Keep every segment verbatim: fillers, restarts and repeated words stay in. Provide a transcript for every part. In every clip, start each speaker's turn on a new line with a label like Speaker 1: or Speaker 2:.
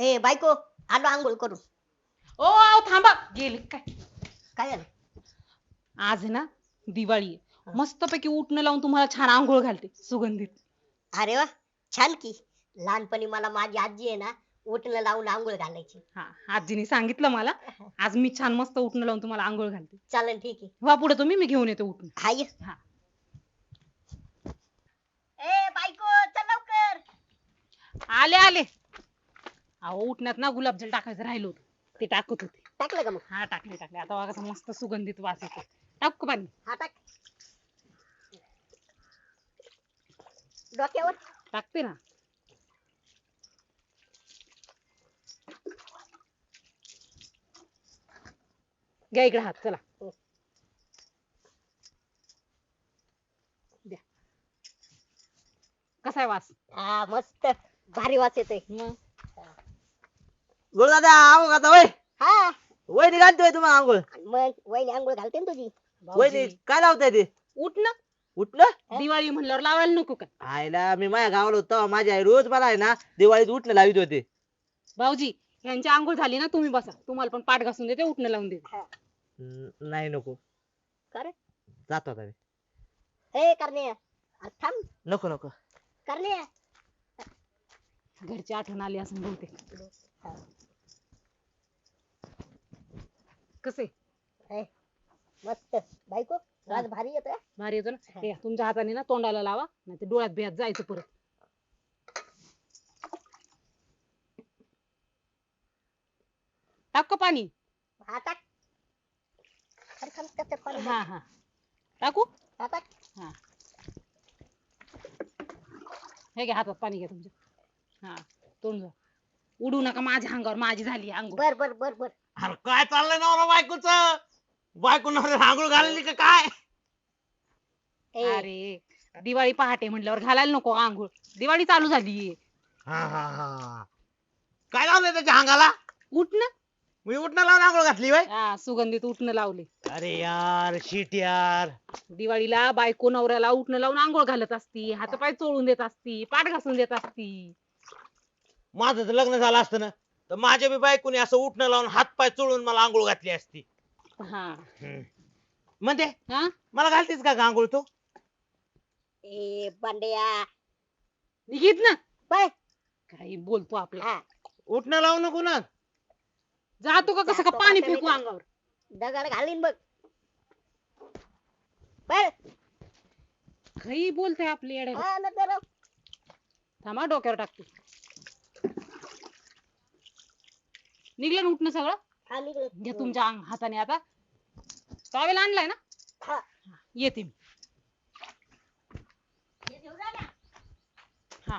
Speaker 1: ए बायको, आलो आंघोळ करून.
Speaker 2: ओ आओ थांबा, गेले काय?
Speaker 1: काय झालं?
Speaker 2: आज आहे ना दिवाळी आहे.
Speaker 1: हा.
Speaker 2: मस्तपैकी उटणं लावून तुम्हाला छान आंघोळ घालते सुगंधित.
Speaker 1: अरे वा, छान की. लहानपणी मला माझी आजी आहे ना उठणं लावून आंघोळ घालायची.
Speaker 2: हा, आजीने सांगितलं मला. आज मी छान मस्त उटणं लावून तुम्हाला आंघोळ घालते.
Speaker 1: चालेल, ठीक आहे.
Speaker 2: वा पुढे तुम्ही, मी घेऊन येते उटणं.
Speaker 1: हाय.
Speaker 2: हा.
Speaker 1: ए बायको, चल लवकर.
Speaker 2: आले आले. अहो उठण्यात ना गुलाबजल टाकायचं राहिलं होतं, ते टाकत होते.
Speaker 1: टाकलं का मग?
Speaker 2: हा टाकले टाकले. आता बघा कसं मस्त सुगंधित वास येतो. टाकू का पाणी?
Speaker 1: हा टाक. डोक्यावर
Speaker 2: टाकते ना. घ्या इकडे हात, चला. द्या. कसा आहे वास?
Speaker 1: हा मस्त भारी वास येतोय.
Speaker 2: मग
Speaker 3: गोळ दादा आंघोळ घालता वय
Speaker 1: हा
Speaker 3: वय निघालतोय तुम्हाला आंघोळ.
Speaker 1: मग वहिनी आंघोळ घालते ना तुझी.
Speaker 3: वय काय लावताय ते
Speaker 2: उठणं
Speaker 3: उठलं
Speaker 2: दिवाळी म्हणल्यावर लावायला नको का?
Speaker 3: आईला मी माझ्या गावाला होतो माझी आई रोज मला आहे ना दिवाळीत उठणं लावित होते.
Speaker 2: भाऊजी यांची आंघोळ झाली ना, तुम्ही बसा, तुम्हाला पण पाठ घासून देते, उठणं लावून देते.
Speaker 3: न- नाही नको
Speaker 1: कर.
Speaker 3: जातो आता मी.
Speaker 1: हे करणे, अरे थांब.
Speaker 3: नको नको
Speaker 1: करणे.
Speaker 2: घरची आठवण आली असं बहुतेक. कसे
Speaker 1: हे, मस्त बायको वास भारी येतोय.
Speaker 2: भारी येतो ना. हे, तुमच्या हाताने ना तोंडाला लावा, नाही तर डोळ्यात बियात जायचं परत. टाक का पाणी?
Speaker 1: हा टाक. अरे थांब, त्याच्यात पाणी
Speaker 2: हा
Speaker 1: टाक.
Speaker 2: हा टाकू.
Speaker 1: हा टाक.
Speaker 2: हा हे घ्या हातात पाणी घ्या तुमच्या. हा तोंड जा. उडू नका माझ्या अंगावर, माझी झाली आंघोळ.
Speaker 1: बर बर बर बर.
Speaker 3: अरे काय चाललंय नवरा बायकोच बायको नवऱ्याला आंघोळ घालली का काय?
Speaker 1: ए,
Speaker 2: अरे दिवाळी पहाटे म्हटल्यावर घालायला नको आंघोळ, दिवाळी चालू झाली.
Speaker 3: हा हा हा काय लावलंय त्याच्या अंगाला?
Speaker 2: उठणं.
Speaker 3: मी उठणं लावून आंघोळ घातली वय.
Speaker 2: हा सुगंधित उठणं लावले.
Speaker 3: अरे यार शिट यार.
Speaker 2: दिवाळीला बायको नवऱ्याला उठणं लावून आंघोळ घालत असती, हातपाय चोळून देत असती, पाठ घासून देत असती.
Speaker 3: माझं जर लग्न झालं असतं ना तर माझ्या बी बायकोनी असं उठणं लावून हात पाय चोळून मला आंघोळ घातली असती.
Speaker 2: हा
Speaker 3: म्हणते
Speaker 2: हा
Speaker 3: मला घालतेस का आंघोळ तू?
Speaker 1: ए बांड्या
Speaker 2: निघित ना.
Speaker 1: बाय.
Speaker 2: काही बोलतो आपला.
Speaker 1: हा
Speaker 3: उठणं लावू नको ना.
Speaker 2: जातो का कसं का
Speaker 1: जातो
Speaker 2: पाणी
Speaker 1: का
Speaker 2: फेकू
Speaker 1: तरी?
Speaker 2: अंगावर?
Speaker 1: दगड घालीन बघ. बर.
Speaker 2: काही बोलतोय आपली येड्या.
Speaker 1: हा ना जरा.
Speaker 2: थांबा डोक्यावर टाकतो. निघलं ना उठणं सगळं.
Speaker 1: हा निघलं.
Speaker 2: घ्या तुमच्या अंग हाताने आता. टॉवेल आणलाय ना?
Speaker 1: हा.
Speaker 2: येते मी.
Speaker 1: हे घेऊन जा ना.
Speaker 2: हा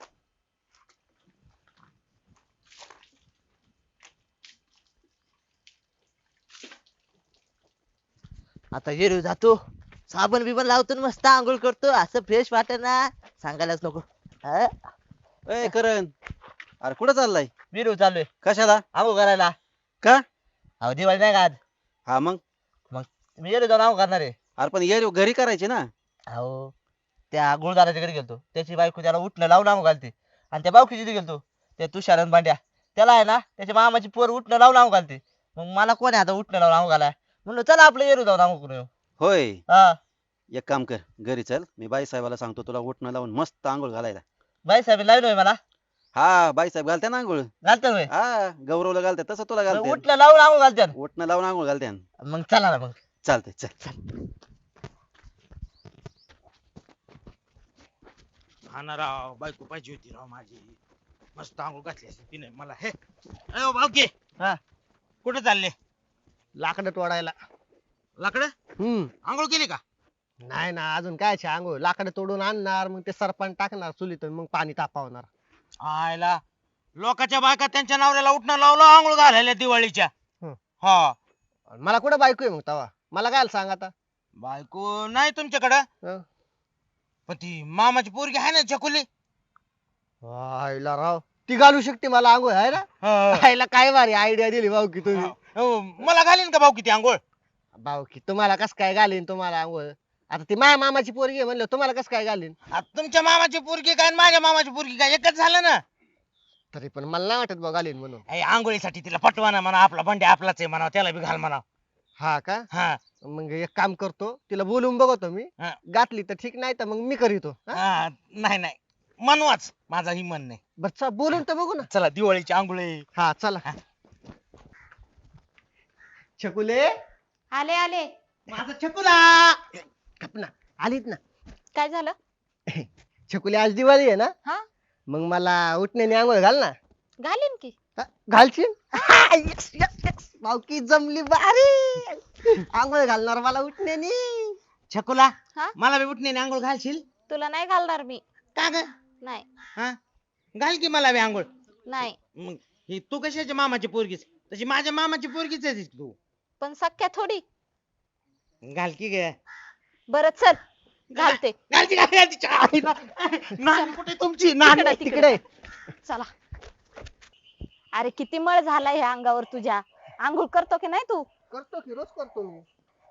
Speaker 3: आता येरू जातो साबण बिबन लावतो आणि मस्त आंघोळ करतो असं फ्रेश वाटत ना सांगायलाच नको. हा?
Speaker 4: ए करण, अरे कुठं चाललाय?
Speaker 3: विरू चाललोय
Speaker 4: कशाला?
Speaker 3: आंघोळ करायला.
Speaker 4: का?
Speaker 3: अहो दिवाळी नाही का आज?
Speaker 4: हा मग
Speaker 3: मी येलो जाऊन आंघोळ करणार आहे.
Speaker 4: अरे पण ये घरी करायचे ना.
Speaker 3: अहो त्या गुळदाराच्या घरी गेलतो त्याची बायको त्याला उठणं लावून आंघोळ घालते आणि त्या बावकीच्या तिथे गेलतो त्या तुषार आणि भांड्या त्याला आहे ना त्याच्या मामाची पोर उठणं लावून आंघोळ घालते. मग मला कोण आहे आता उठणं लावून आंघोळ घालाय म्हणलं चला आपलं येरू जाऊन आंघोळ करू.
Speaker 4: होय,
Speaker 3: हा
Speaker 4: एक काम कर, घरी चल, मी बाई साहेबाला सांगतो तुला उठणं लावून मस्त आंघोळ घालायला.
Speaker 3: बाई साहेब लावलं होय मला.
Speaker 4: हा बाई साहेब घालते ना आंघोळ.
Speaker 3: घालतात होय.
Speaker 4: हा गौरवला घालते तसं तुला
Speaker 3: मग
Speaker 4: घालते.
Speaker 3: उठणं लावून आंघोळ घालतात.
Speaker 4: उठणं लावून आंघोळ घालते.
Speaker 3: मग चला ना मग.
Speaker 4: चालतंय चल.
Speaker 5: हा ना राव, बायको पाहिजे होती राव माझी. मस्त आंघोळ घातली असती तिने मला. हे अयो भाऊकी,
Speaker 3: हा
Speaker 5: कुठे चालले?
Speaker 6: लाकडं तोडायला.
Speaker 5: लाकडं
Speaker 6: हम्म
Speaker 5: आंघोळ केली का?
Speaker 6: नाही ना अजून काय आंघोळ. लाकडं तोडून आणणार मग ते सरपण टाकणार चुलीतून मग पाणी तापवणार.
Speaker 5: आयला लोकांच्या बायका त्यांच्या नवऱ्याला उठणं लावलं आंघोळ घालायला दिवाळीच्या.
Speaker 6: हं.
Speaker 5: हा
Speaker 6: मला कुठं बायको आहे मग तवा मला काय सांग आता.
Speaker 5: बायको नाही तुमच्याकडं,
Speaker 6: हं.
Speaker 5: पण ती मामाची पोरगी आहे ना चकुली.
Speaker 6: आईला राव ती घालू शकते मला आंघोळ आहे ना.
Speaker 5: हा.
Speaker 6: आईला काय भारी आयडिया दिली भाऊ की तुम्ही.
Speaker 5: हो, मला घालीन का भाऊ किती आंघोळ?
Speaker 6: भाऊ की तुम्हाला कस काय घालीन तुम्हाला आंघोळ. आता ती माझ्या मामाची पोरगी आहे म्हणलं तुम्हाला कस काय घालीन.
Speaker 5: आता तुमच्या मामाची पोरगी काय आणि माझ्या मामाची पोरगी काय एकच झालं ना.
Speaker 6: तरी पण मला नाही वाटत बघ घालीन म्हणून.
Speaker 5: ए, आंघोळीसाठी तिला पटवा ना म्हणा, आपला बंड्या आपलाच आहे म्हणा, त्याला बी घाल म्हणा.
Speaker 6: हा का?
Speaker 5: हा
Speaker 6: मग एक काम करतो, तिला बोलून बघतो मी.
Speaker 5: हा.
Speaker 6: घातली तर ठीक, नाही तर मग मी करीतो. हा?
Speaker 5: हा, नाही नाही मनवाच, माझा ही मन नाही.
Speaker 6: बरं चल, बोलून तर बघू ना.
Speaker 5: चला दिवाळीची आंघोळी.
Speaker 6: हा चला. छकुले,
Speaker 2: आले आले.
Speaker 6: माझा छकुला. गप ना, आलीत ना.
Speaker 2: काय झालं?
Speaker 6: छकुले, आज दिवाळी आहे ना,
Speaker 2: हा
Speaker 6: मग मला उठण्याने आंघोळ घाल ना.
Speaker 2: घालीन की.
Speaker 6: हा, घालशील? Yes, yes, yes. भावकी जमली भारी. आंघोळ घालणार मला उठण्याने.
Speaker 5: छकुला
Speaker 2: हा?
Speaker 5: मला बी उठण्याने आंघोळ घालशील?
Speaker 2: तुला नाही घालणार मी.
Speaker 5: का ग?
Speaker 2: नाही
Speaker 5: हा घाल की मला बी आंघोळ.
Speaker 2: नाही.
Speaker 5: मग ही तू कशाची मामाची पोरगीच, तशी माझ्या मामाची पोरगीच आहे तू.
Speaker 2: पण सख्या थोडी.
Speaker 5: घाल की ग.
Speaker 2: बरं चल घालते.
Speaker 5: घालती घाल घालती चा- नानी कुठे तुमची नानी?
Speaker 2: तिकडे
Speaker 6: तिकडे.
Speaker 2: चला. अरे किती मळ झाला ह्या अंगावर तुझ्या. आंघोळ करतो की नाही तू?
Speaker 6: करतो की, रोज करतो मी.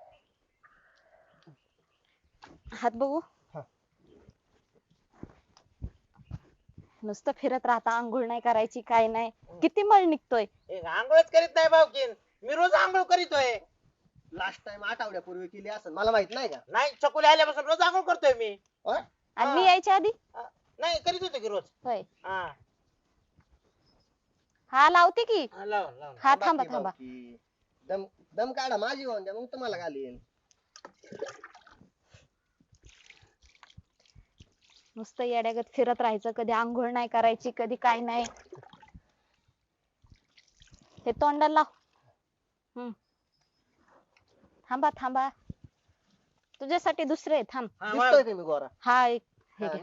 Speaker 2: हात बघू.
Speaker 6: हा.
Speaker 2: नुसतं फिरत राहता, आंघोळ नाही करायची, काय नाही. किती मळ निघतोय.
Speaker 5: ए, आंघोळच करीत नाही भाऊकीन, मी रोज आंघोळ करीतोय.
Speaker 6: लास्ट टाइम आठवड्यापूर्वी केली असेल, मला माहित नाही का?
Speaker 5: नाही चकुले आल्यापासून रोज आंघोळ करतोय मी.
Speaker 6: होय?
Speaker 2: आणि मी
Speaker 5: हा.
Speaker 2: यायच्या आधी
Speaker 5: नाही करीत होतो की रोज.
Speaker 2: होय.
Speaker 5: हा
Speaker 2: हा लावते की.
Speaker 5: हा, लाव लाव.
Speaker 2: हा थांबा
Speaker 6: बाकी
Speaker 2: थांबा.
Speaker 6: भावकी. दम दम काढा, माझी होऊन द्या, मग तुम्हाला घालीन.
Speaker 2: नुसतं येड्यागत फिरत राहायचं, कधी आंघोळ नाही करायची, कधी काय नाही. हे तोंडाला लाव. हम्म. थांबा थांबा, तुझ्यासाठी दुसरे आहे, थांब.
Speaker 5: हा,
Speaker 6: दिसतोय का मी गोरा?
Speaker 2: हा एक हे
Speaker 6: हा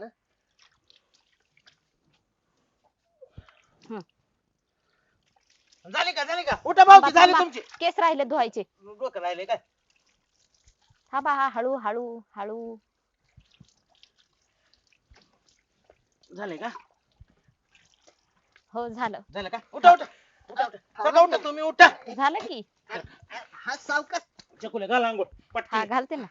Speaker 2: घे.
Speaker 6: ना?
Speaker 5: झाली का झाली का? उठा भाऊकी,
Speaker 2: थांबा,
Speaker 5: झाली
Speaker 2: थांबा.
Speaker 5: तुमची.
Speaker 2: केस राहिले धुवायचे.
Speaker 5: डोकं राहिले काय?
Speaker 2: थांबा. हा हळू हळू हळू.
Speaker 5: झाले का?
Speaker 2: हो झालं.
Speaker 5: झालं का? उठा उठा उठा उठा उठा, उठा तुम्ही उठा.
Speaker 2: झालं की.
Speaker 6: हा सावकाश.
Speaker 5: चकुले घाल आंघोळ
Speaker 2: हा
Speaker 5: पटकन.
Speaker 2: घालते ना.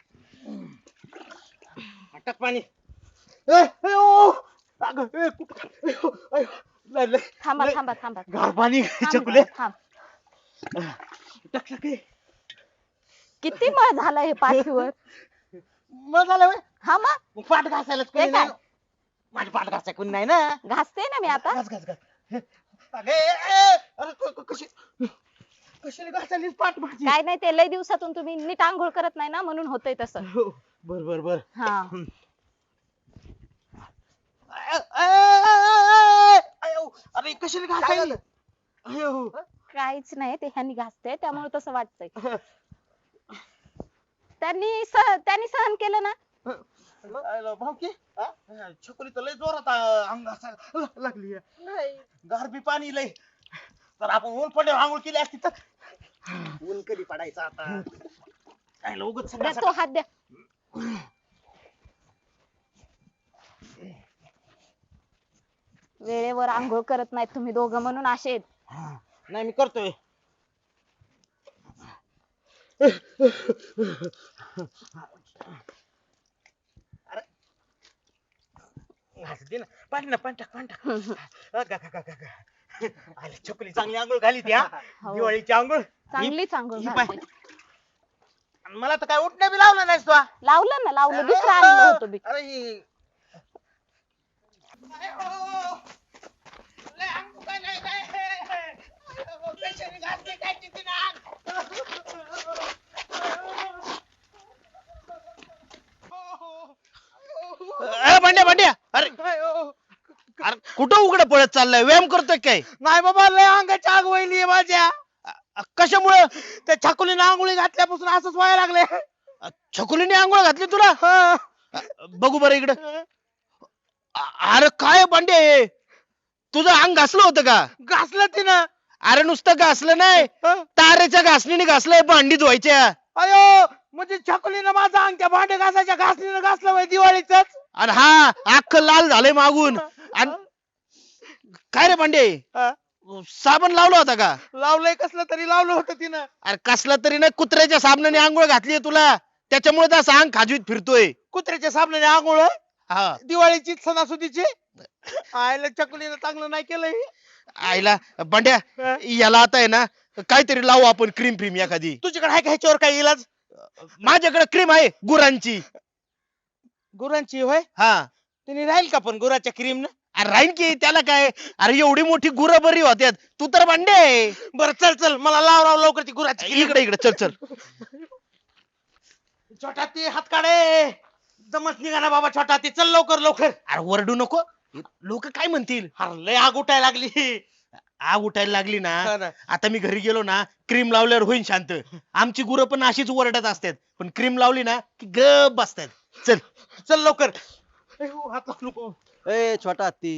Speaker 5: टाक पाणी. ए, ए, ओ. अगं, ए, कुठं? ए, ओ, अयो, लय, लय,
Speaker 2: थांबा
Speaker 5: लय.
Speaker 2: थांबा थांबा.
Speaker 5: गार पाणी
Speaker 2: थांब,
Speaker 5: चकुले.
Speaker 2: थांब.
Speaker 5: टाक टाक ए.
Speaker 2: किती मळ झाला हे पाठीवर.
Speaker 5: मग झालं व्हय?
Speaker 2: हा मग
Speaker 5: मग पाठ घासायलाच कोणी
Speaker 2: हे काय?
Speaker 5: नाही. माझी पाठ घासाय कोणी नाही ना.
Speaker 2: घासते ना मी आता.
Speaker 5: घास घास घास. अगं, ए, ए, अरे क- क- कशी कशाला घासायलीस पाठ माझी?
Speaker 2: काय नाही, ते लय दिवसातून तुम्ही नीट आंघोळ करत नाही ना, म्हणून होतंय तसं.
Speaker 5: हो, बर बर बर.
Speaker 2: हा.
Speaker 5: अ- अ- अ- अयो, अरे कशाला
Speaker 6: काय
Speaker 5: घासायली?
Speaker 6: झालं?
Speaker 5: अयो.
Speaker 2: काहीच नाही, ते ह्यांनी घासते त्यामुळे तसं वाटतंय. त्यांनी सह त्यांनी सहन केलं ना.
Speaker 5: आयला भाऊकी, हा? छकुली तर लय जोरात आ, अंग घासायला ल- लागली आहे.
Speaker 6: नाही,
Speaker 5: गार बी पाणी लय. तर आपण ऊन पडल्यावर आंघोळ केली असती तर
Speaker 6: ऊन कधी पडायचं आता?
Speaker 5: आयला उगाच
Speaker 2: द्या
Speaker 5: सगळं
Speaker 2: तो हात द्या. वेळेवर आंघोळ करत नाहीत तुम्ही दोघं, म्हणून असे आहेत.
Speaker 5: हा, नाही मी करतोय. अरे घास दे ना, पाणी ना, पाणी टाक, पाणी टाक. अ, गा, गा, गा, गा, गा. आयला छकुली चांगली आंघोळ घाली ती, हा
Speaker 2: हो.
Speaker 5: दिवाळीची आंघोळ.
Speaker 2: चांगलीच आंघोळ
Speaker 5: ही
Speaker 2: घालते.
Speaker 5: आणि मला तर काय उठणं बी लावलं नाहीस तू, हा.
Speaker 2: लावलं ना, लावलं. दुसरं आणलं होतं बी.
Speaker 5: अरे ही- अयो, लय अंग दुखायलंय काय? अयो, कशाने घातली काय तिथे ना?
Speaker 7: ए भांड्या भांड्या, अरे अरे कुठं उघडं पळत चाललाय? व्यायाम करतोय काय?
Speaker 5: नाही बाबा, लय अंगाची आग वहिली माझ्या.
Speaker 7: अ, कशामुळं?
Speaker 5: त्या छकुलीने आंघोळी घातल्यापासून असंच व्हायला लागले.
Speaker 7: अ, छकुलीने आंघोळ घातली तुला? अ, बघू बरं इकडं. अ- अरे काय भांडे हे? तुझं अंग घासलं होतं का?
Speaker 5: घासलं तिनं.
Speaker 7: अरे नुसतं घासलं नाही,
Speaker 5: हं?
Speaker 7: तारेच्या घासणीने घासलंय भांडी धुवायच्या.
Speaker 5: अयो, म्हणजे छकुलीनं माझं अंग त्या भांडे घासायच्या घासणीनं घासलं वय दिवाळीच.
Speaker 7: आणि हा अख्खं लाल झालंय मागून. आणि काय रे भांडे, साबण लावला होता का?
Speaker 5: लावलंय कसलं तरी लावलं होतं तिनं.
Speaker 7: अरे कसला तरी नाही, कुत्र्याच्या साबणाने आंघोळ घातलीये तुला, त्याच्यामुळे तर असं अंग खाजवीत फिरतोय.
Speaker 5: कुत्र्याच्या साबणाने आंघोळ
Speaker 7: हा
Speaker 5: दिवाळीची सणासुदीची. आयला छकुलीनं चांगलं नाही केलंय.
Speaker 7: आईला बंड्या याला आता आहे ना काहीतरी लावू आपण क्रीम फ्रीम एखादी.
Speaker 5: तुझ्याकडे आहे का ह्याच्यावर काय इलाज?
Speaker 7: माझ्याकडे क्रीम आहे गुरांची.
Speaker 5: गुरांची होय?
Speaker 7: हा
Speaker 5: तिने राहील का पण गुराच्या क्रीम न?
Speaker 7: अरे राहीन की त्याला काय. अरे एवढी मोठी गुरं बरी होत्यात. तू तर भांडे आहे.
Speaker 5: बरं चल चल मला लाव राव लवकर ती गुराची cream.
Speaker 7: इकडे इकडे चल चल.
Speaker 5: छोटा ते हात काढे. दमच निघाला बाबा छोटा ते, चल लवकर लवकर.
Speaker 7: अरे वरडू नको, लोक काय म्हणतील.
Speaker 5: अरे लय आग उठायला लागली.
Speaker 7: आग उठायला लागली ना,
Speaker 5: हा ना.
Speaker 7: आता मी घरी गेलो ना क्रीम लावल्यावर होईन शांत. आमची गुरं पण अशीच ओरडत असतात, पण क्रीम लावली ना की गप बसतात. चल
Speaker 5: चल लवकर. अयो, हात लावू नको.
Speaker 4: ए छोटा हत्ती,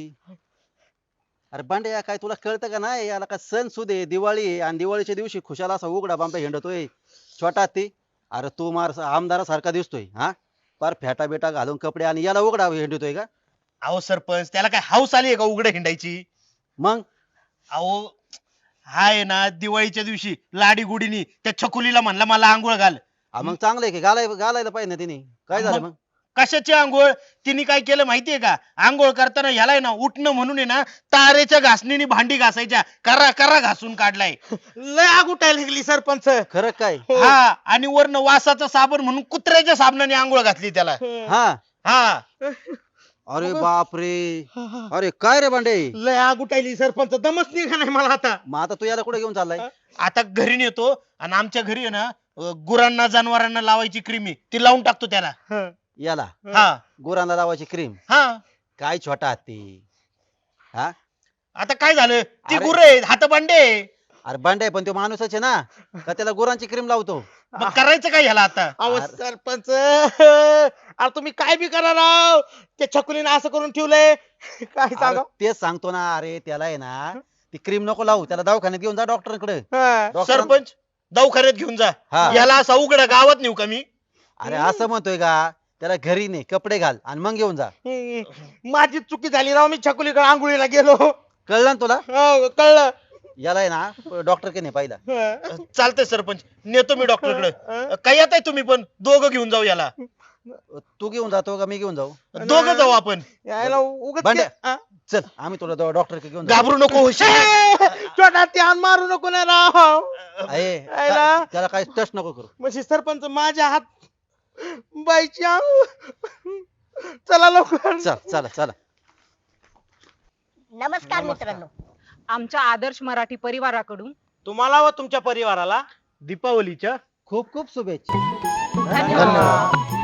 Speaker 4: अरे बांड्या काय तुला कळतं का नाही? याला का सण सुदे दिवाळी आहे आणि दिवाळीच्या दिवशी खुशाला असा उघडा बांबा हिंडतोय. छोटा हत्ती, अरे तू मार आमदारासारखा दिसतोय हा, पार फेटा बेटा घालून कपडे आणि याला उघडा हिंडतोय का?
Speaker 7: अहो सरपंच, त्याला काय हाऊस आली आहे का उघडे हिंडायची?
Speaker 4: मग
Speaker 7: अहो हाय ना, दिवाळीच्या दिवशी लाडी गुडीनी त्या छकुलीला म्हणला मला आंघोळ घाल.
Speaker 4: हा, मग चांगलं आहे की घालाय घालायला पाहिजे ना तिने. काय झालं मग?
Speaker 7: कशाची आंघोळ? तिने काय केलं माहितीये का? आंघोळ करताना ह्याला आहे ना उठणं म्हणून आहे ना तारेच्या घासणीने भांडी घासायच्या करा करा घासून काढलाय.
Speaker 5: लय आग उठायला लागली सरपंच.
Speaker 4: खरं काय?
Speaker 7: हा, आणि वरनं वासाचा साबण म्हणून कुत्र्याच्या साबणाने आंघोळ घातली त्याला.
Speaker 4: हा,
Speaker 7: हा
Speaker 4: अरे बापरे, अरे काय रे बांडे,
Speaker 5: लय आग उठायली सरपंच, दमच निघा नाही मला आता.
Speaker 4: मग आता तू याला कुठे घेऊन चाललाय?
Speaker 7: आता घरी नेतो आणि आमच्या घरी आहे ना अं, गुरांना जनावरांना लावायची क्रीमी ती लावून टाकतो त्याला.
Speaker 4: याला
Speaker 7: हा
Speaker 4: गुरांना लावायची क्रीम?
Speaker 7: हा.
Speaker 4: काय छोटा हत्ती हा,
Speaker 7: आता काय झालं? ती
Speaker 4: अरे.
Speaker 7: गुर आहे हात बांडे.
Speaker 4: अरे बांडे पण तो माणूसच आहे ना, का त्याला गुरांची क्रीम लावतो?
Speaker 7: मग करायचं काय ह्याला आता?
Speaker 5: अहो
Speaker 4: अरे.
Speaker 5: सरपंच, अरे तुम्ही काय बी करा राव, त्या छकुलीने असं करून ठेवलंय. काय
Speaker 4: अरे
Speaker 5: सांगा.
Speaker 4: तेच सांगतो ना, अरे त्याला आहे ना ती क्रीम नको लावू, त्याला दवाखान्यात घेऊन जा डॉक्टरकडे.
Speaker 5: हा.
Speaker 7: सरपंच दवाखान्यात घेऊन जा.
Speaker 4: हा.
Speaker 7: याला असा उघडा गावात नेऊ का मी?
Speaker 4: अरे असं म्हणतोय का? त्याला घरी ने कपडे घाल आणि मग घेऊन जा.
Speaker 5: हम्म. माझी चुकी झाली राव, मी छकुलीकडे आंघोळीला गेलो.
Speaker 4: कळलं ना तुला?
Speaker 5: हो, कळलं.
Speaker 4: याला आहे ना डॉक्टर के नाही पाहिला.
Speaker 5: हा.
Speaker 7: चालतंय सरपंच, नेतो मी डॉक्टरकडे. काय येत आहे तुम्ही पण दोघं घेऊन जाऊ याला.
Speaker 4: तू घेऊन जातो का मी घेऊन जाऊ?
Speaker 7: दोघं जाऊ आपण.
Speaker 5: यायला उगाच
Speaker 4: भांड्या.
Speaker 5: के- हा?
Speaker 4: चल आम्ही तुला डॉक्टर के घेऊन जाऊ.
Speaker 7: घाबरू नको, हुशार.
Speaker 5: ए, छोटा त्यान मारू नको ना राव.
Speaker 4: आहे,
Speaker 5: आहे ना?
Speaker 4: का- त्याला काही टच नको करू.
Speaker 5: म्हणजे सरपंच माझ्या हात बाईची आंघोळ. चला लवकर.
Speaker 4: चल चला चला.
Speaker 1: नमस्कार मित्रांनो.
Speaker 2: आमच्या आदर्श मराठी परिवाराकडून
Speaker 5: तुम्हाला व तुमच्या परिवाराला
Speaker 7: दीपावलीच्या
Speaker 4: खूप खूप शुभेच्छा.
Speaker 2: धन्यवाद.